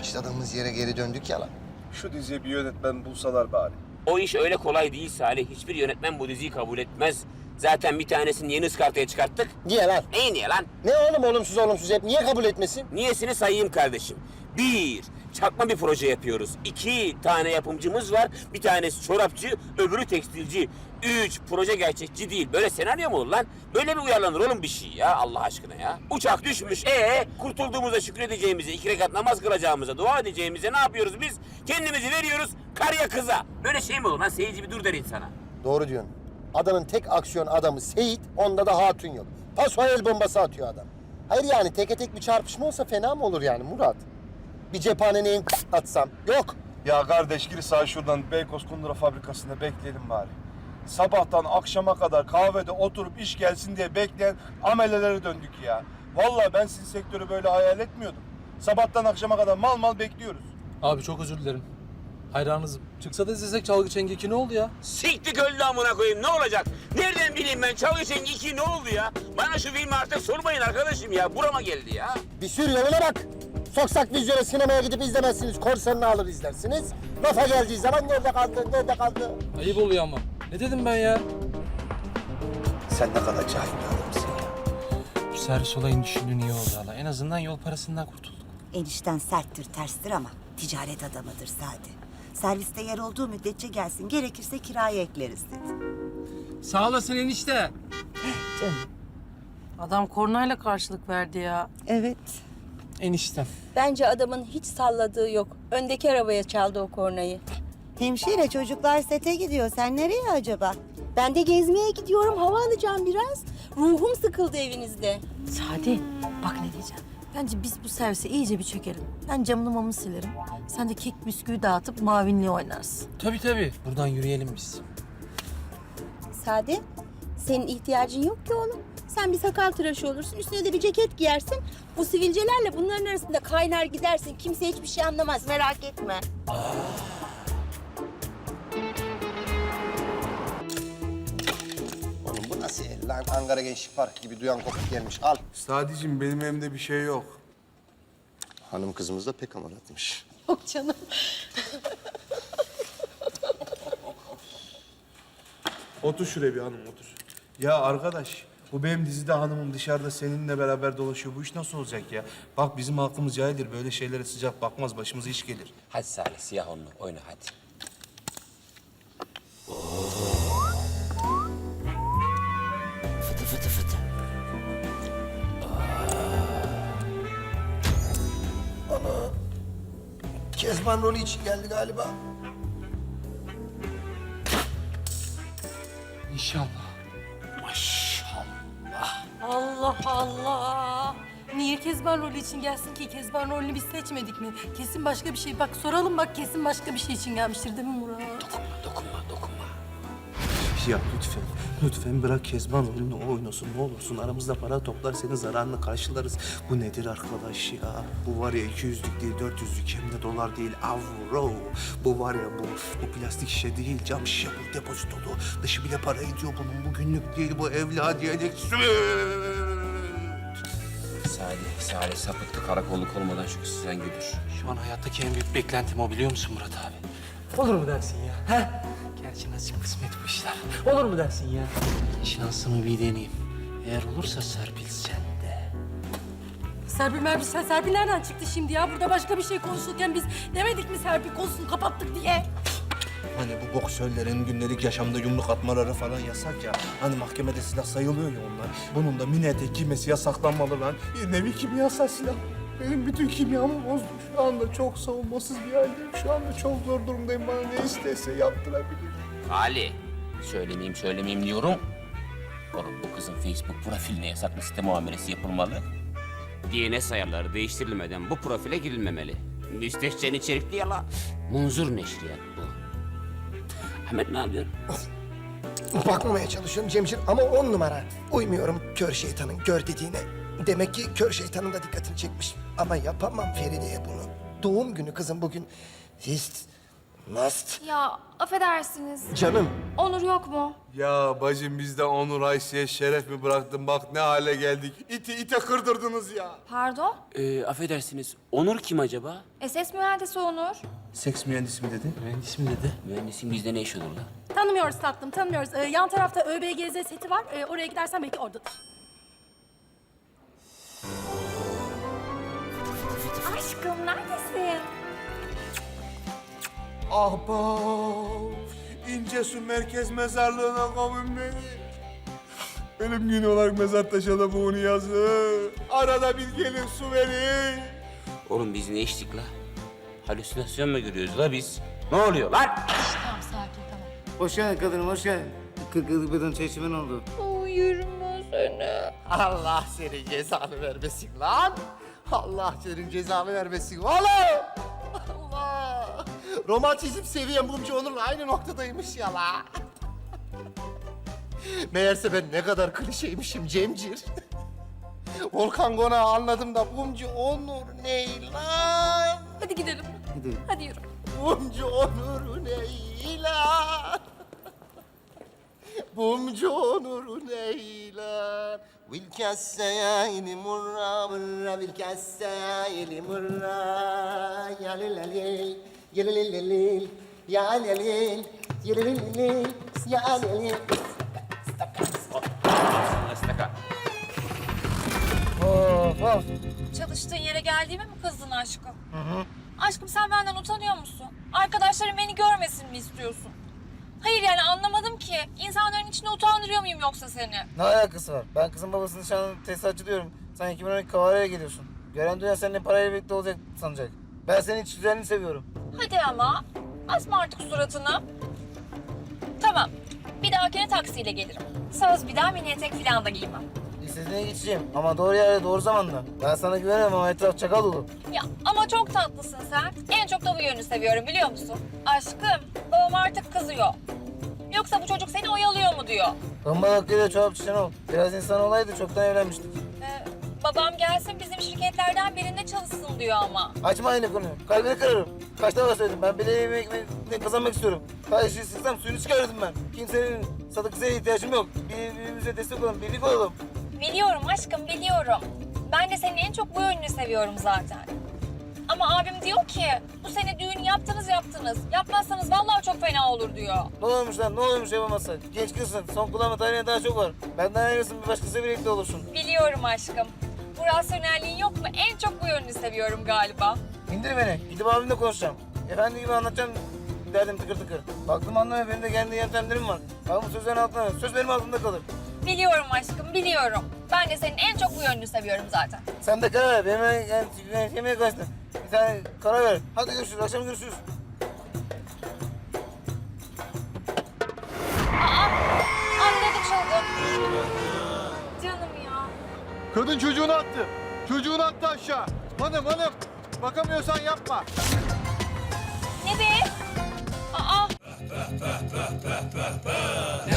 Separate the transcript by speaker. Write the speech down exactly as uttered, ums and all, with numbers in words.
Speaker 1: başladığımız yere geri döndük ya lan.
Speaker 2: Şu diziye bir yönetmen bulsalar bari.
Speaker 3: O iş öyle kolay değil Salih. Hiçbir yönetmen bu diziyi kabul etmez. Zaten bir tanesini yeni ıskartaya çıkarttık.
Speaker 1: Niye lan?
Speaker 3: Neyi niye lan?
Speaker 1: Ne oğlum olumsuz olumsuz hep? Niye kabul etmesin?
Speaker 3: Niyesini sayayım kardeşim. Bir, çakma bir proje yapıyoruz. İki tane yapımcımız var. Bir tanesi çorapçı, öbürü tekstilci. Üç, proje gerçekçi değil. Böyle senaryo mu olur lan? Böyle mi uyarlanır oğlum bir şey ya Allah aşkına ya? Uçak düşmüş. Ee, kurtulduğumuza şükredeceğimize, iki rekat namaz kılacağımıza, dua edeceğimize ne yapıyoruz biz? Kendimizi veriyoruz karıya kıza. Böyle şey mi olur lan? Seyirci bir dur der insana.
Speaker 1: Doğru diyorsun. Adanın tek aksiyon adamı Seyit, onda da hatun yok. Paso el bombası atıyor adam. Hayır yani teke tek bir çarpışma olsa fena mı olur yani Murat? Bir cephanenin atsam. Yok.
Speaker 2: Ya kardeş gir sağ şuradan Beykoz Kundura fabrikasında bekleyelim bari. Sabahtan akşama kadar kahvede oturup iş gelsin diye bekleyen amelelere döndük ya. Vallahi ben sizin sektörü böyle hayal etmiyordum. Sabahtan akşama kadar mal mal bekliyoruz.
Speaker 4: Abi çok özür dilerim. Hayranınızım. Çıksa da izlesek Çalgı Çengi iki ne oldu ya?
Speaker 3: Siktik öldü amına koyayım ne olacak? Nereden bileyim ben Çalgı Çengi iki ne oldu ya? Bana şu filmi artık sormayın arkadaşım ya. Burama geldi ya.
Speaker 1: Bir sürü yoluna bak. Soksak vizyona sinemaya gidip izlemezsiniz. Korsanını alır izlersiniz. Lafa geldiği zaman nerede kaldı, nerede kaldı?
Speaker 4: Ayıp oluyor ama. Ne dedim ben ya?
Speaker 1: Sen ne kadar cahil bir adamsın ya.
Speaker 4: Bu servis olayını düşündüğün iyi oldu hala. En azından yol parasından kurtulduk.
Speaker 5: Enişten serttir, terstir ama ticaret adamıdır Sadi. Serviste yer olduğu müddetçe gelsin, gerekirse kiraya ekleriz dedi.
Speaker 6: Sağ olasın enişte.
Speaker 5: Canım.
Speaker 7: Adam kornayla karşılık verdi ya.
Speaker 5: Evet.
Speaker 4: Eniştem.
Speaker 8: Bence adamın hiç salladığı yok. Öndeki arabaya çaldı o kornayı.
Speaker 5: Hemşire çocuklar sete gidiyor. Sen nereye acaba?
Speaker 8: Ben de gezmeye gidiyorum, hava alacağım biraz. Ruhum sıkıldı evinizde.
Speaker 7: Sadi bak ne diyeceğim. Bence biz bu servise iyice bir çökelim. Ben camını mamını silerim. Sen de kek bisküvi dağıtıp mavinli oynarsın.
Speaker 4: Tabii tabii. Buradan yürüyelim biz.
Speaker 8: Sade, senin ihtiyacın yok ki oğlum. Sen bir sakal tıraşı olursun, üstüne de bir ceket giyersin. Bu sivilcelerle bunların arasında kaynar gidersin. Kimse hiçbir şey anlamaz, merak etme.
Speaker 1: Oğlum bu nasıl el lan? Ankara Gençlik Parkı gibi duyan kopuk gelmiş. Al.
Speaker 2: Sadicim benim evimde bir şey yok.
Speaker 1: Hanım kızımız da pek amaratmış.
Speaker 8: Yok canım.
Speaker 2: Otur şuraya bir hanım otur. Ya arkadaş bu benim dizide hanımım dışarıda seninle beraber dolaşıyor. Bu iş nasıl olacak ya? Bak bizim halkımız cahildir. Böyle şeylere sıcak bakmaz. Başımıza iş gelir.
Speaker 3: Hadi Salih siyah onlu oyna hadi. Fıtı fıtı fıtı.
Speaker 1: Kezban rolü için geldi galiba.
Speaker 4: İnşallah.
Speaker 3: Maşallah.
Speaker 7: Allah Allah. Niye Kezban rolü için gelsin ki? Kezban rolünü biz seçmedik mi? Kesin başka bir şey. Bak soralım bak kesin başka bir şey için gelmiştir değil mi Murat?
Speaker 3: Dokunma dokunma dokunma.
Speaker 2: Ya lütfen, lütfen bırak Kezban rolünü o oynasın. Ne olursun aramızda para toplar senin zararını karşılarız. Bu nedir arkadaş ya? Bu var ya iki yüzlük değil dört yüzlük hem de dolar değil avro. Bu var ya bu, bu plastik şişe değil cam şişe bu depozitolu. Dışı bile para ediyor bunun. Bu günlük değil bu evladiyelik süt.
Speaker 3: Salih, Salih sapıttı karakolluk olmadan şu kızı sen götür.
Speaker 4: Şu an hayattaki en büyük beklentim o biliyor musun Murat abi? Olur mu dersin ya? He? Gerçi nasip kısmet bu işler. Olur mu dersin ya? Şansımı bir deneyeyim. Eğer olursa Serpil sen de.
Speaker 7: Serpil Merpil sen Serpil nereden çıktı şimdi ya? Burada başka bir şey konuşurken biz demedik mi Serpil konusunu kapattık diye?
Speaker 2: Hani bu boksörlerin günlük yaşamda yumruk atmaları falan yasak ya. Hani mahkemede silah sayılıyor ya onlar. Bunun da mini etek giymesi yasaklanmalı lan. Bir nevi kimyasal silah. Benim bütün kimyamı bozdu. Şu anda çok savunmasız bir haldeyim. Şu anda çok zor durumdayım. Bana ne istese yaptırabilir.
Speaker 3: Ali, söylemeyeyim söylemeyeyim diyorum. Oğlum bu kızın Facebook profiline yasak liste muamelesi yapılmalı. D N S ayarları değiştirilmeden bu profile girilmemeli. Müstehcen içerikli yala. Munzur neşriyat bu. Ahmet ne yapıyorsun?
Speaker 1: Bakmamaya çalışıyorum Cemcir ama on numara. Uymuyorum kör şeytanın gör dediğine. Demek ki kör şeytanın da dikkatini çekmiş. Ama yapamam Feride'ye bunu. Doğum günü kızım bugün. Hiç Must.
Speaker 9: Ya affedersiniz.
Speaker 1: Canım.
Speaker 9: Onur yok mu?
Speaker 10: Ya bacım biz de Onur Ayşe'ye şeref mi bıraktın? Bak ne hale geldik. İti ite kırdırdınız ya.
Speaker 9: Pardon?
Speaker 3: Ee, affedersiniz. Onur kim acaba?
Speaker 9: S S mühendisi Onur.
Speaker 2: Seks mühendisi mi dedi?
Speaker 4: Mühendis mi dedi?
Speaker 3: Mühendisin bizde ne iş olur lan?
Speaker 7: Tanımıyoruz tatlım, tanımıyoruz. Ee, yan tarafta ÖBGZ seti var. Ee, oraya gidersen belki oradadır.
Speaker 9: Aşkım neredesin?
Speaker 10: Ahbap, İncesu Merkez Mezarlığı'na kavun beni. Ölüm günü olarak mezar taşına bunu yazın. Arada bir gelin su verin.
Speaker 3: Oğlum biz ne içtik la? Halüsinasyon mu görüyoruz la biz? Ne oluyor lan?
Speaker 7: Tamam, sakin, tamam.
Speaker 11: Hoş geldin kadınım, hoş geldin. Kırk yıllık beden çay içimen oldu.
Speaker 9: Uyurum seni.
Speaker 1: Allah senin cezanı vermesin lan. Allah senin cezanı vermesin oğlum. Allah. Romantizm seviyen Mumcu Onur'la aynı noktadaymış ya la. Meğerse ben ne kadar klişeymişim Cemcir. Volkan Konağı anladım da Mumcu Onur ne lan?
Speaker 7: Hadi gidelim.
Speaker 11: Gidelim.
Speaker 7: Hadi yürü.
Speaker 1: Mumcu Onur ne lan? Mumcu Onur ne lan? Vil kassayni murra murra vil kassayni murra ya lelelel ya lelelel ya lelel ya lelelel ya lelel.
Speaker 3: Astaka.
Speaker 11: Of of.
Speaker 9: Çalıştığın yere geldiğime mi kızdın aşkım? Hı hı. Aşkım sen benden utanıyor musun? Arkadaşlarım beni görmesin mi istiyorsun? Hayır yani anlamadım ki. İnsanların içinde utandırıyor muyum yoksa seni?
Speaker 11: Ne alakası var? Ben kızın babasının nişanlı tesisatçı diyorum. Sen iki bin on iki kavaraya geliyorsun. Gören dünya seninle parayla birlikte olacak sanacak. Ben senin iç düzenini seviyorum.
Speaker 9: Hadi ama. Asma artık suratını. Tamam. Bir dahakine taksiyle gelirim. Söz bir daha mini etek falan da giymem.
Speaker 11: İstediğine geçeceğim ama doğru yerde doğru zamanda. Ben sana güvenemem ama etraf çakal dolu.
Speaker 9: Ya ama çok tatlısın sen. En çok da bu yönünü seviyorum biliyor musun? Aşkım, babam artık kızıyor. Yoksa bu çocuk seni oyalıyor mu diyor.
Speaker 11: Kambal hakkıyla çorap çiçeğin ol. Biraz insan olaydı çoktan evlenmiştik.
Speaker 9: Ee, babam gelsin bizim şirketlerden birinde çalışsın diyor ama.
Speaker 11: Açma aynı konuyu. Kalbini kırarım. Kaç defa söyledim. Ben bileğimi ekmeğini kazanmak istiyorum. Her işi sıksam suyunu çıkarırdım ben. Kimsenin sadık kızına ihtiyacım yok. Birbirimize destek olalım, birlik olalım.
Speaker 9: Biliyorum aşkım, biliyorum. Ben de senin en çok bu yönünü seviyorum zaten. Ama abim diyor ki, bu sene düğün yaptınız yaptınız. Yapmazsanız vallahi çok fena olur diyor.
Speaker 11: Ne olmuş lan? Ne olmuş yapamazsan? Genç kızsın. Son kullanma tarihine daha çok var. Benden ayrılsın bir başkasıyla birlikte olursun.
Speaker 9: Biliyorum aşkım. Bu rasyonelliğin yok mu? En çok bu yönünü seviyorum galiba.
Speaker 11: İndir beni. Gidip abimle konuşacağım. Efendi gibi anlatacağım derdim tıkır tıkır. Baktım anlamıyor. Benim de kendi yöntemlerim var. Ben bu sözlerin altına ver. Söz benim altımda kalır.
Speaker 9: Biliyorum aşkım, biliyorum. Ben de senin en çok bu yönünü seviyorum zaten.
Speaker 11: Sen de karar ver. Benim yani, yani yemeğe kaçtın. Bir tane karar ver. Hadi görüşürüz. Akşam görüşürüz.
Speaker 9: Anladık çılgın. Canım ya.
Speaker 10: Kadın çocuğunu attı. Çocuğunu attı aşağı. Hanım hanım. Bakamıyorsan yapma.
Speaker 9: Ne be? Aa.